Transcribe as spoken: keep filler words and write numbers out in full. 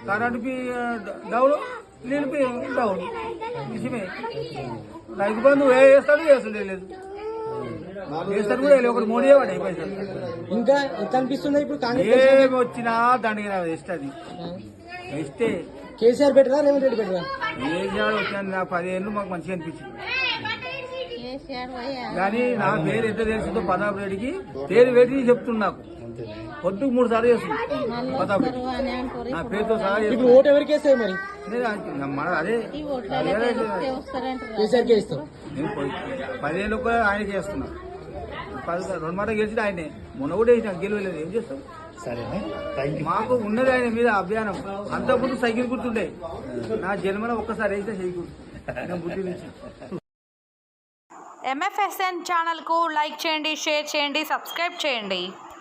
Current down నీళ్ళు down విషయమే. రైతు బంధు ఏ వేస్తాడు వేస్తుండే లేదు, వేస్తాడు కూడా ఒకటి మోడీ వాడు పైసలు. ఇంకా ఎంత అనిపిస్తుంది ఇప్పుడు ఏమి వచ్చినా దానికి ఇస్తుంది ఇస్తే కేసీఆర్ బెటరా రేవంత్ రెడ్డి బెటరా? కేసీఆర్ వచ్చిన నాకు పదిహేను మాకు మంచిగా అనిపించింది, కానీ నా పేరు ఎంత తెలిసిందో ప్రతాప్ రెడ్డికి పేరు పెట్టి చెప్తున్నా. నాకు పొద్దుకు మూడు సార్లు చేస్తుంది ప్రతాప్ రెడ్డి నా పేరుతో సహా. ఇప్పుడు ఓటు ఎవరికి వేస్తాయి మరి? మన అదే కేసీఆర్కే ఇస్తాం. నేను పదిహేను కూడా ఆయనకి వేస్తున్నా. పది రెండు మాట గెలిచి ఆయనే, మొన్న కూడా వేసినా గెలవలేదు. ఏం చేస్తాం? మాకు ఉన్నది ఆయన మీద అభియానం. అంతకుముందు సైకిల్ గుర్తుండే, నా జన్మలో ఒక్కసారి అయితే సైకిల్ బుద్ధి నుంచి. ఎంఎఫ్ఎస్ఎన్ ఛానల్కు లైక్ చేయండి, షేర్ చేయండి, సబ్స్క్రైబ్ చేయండి.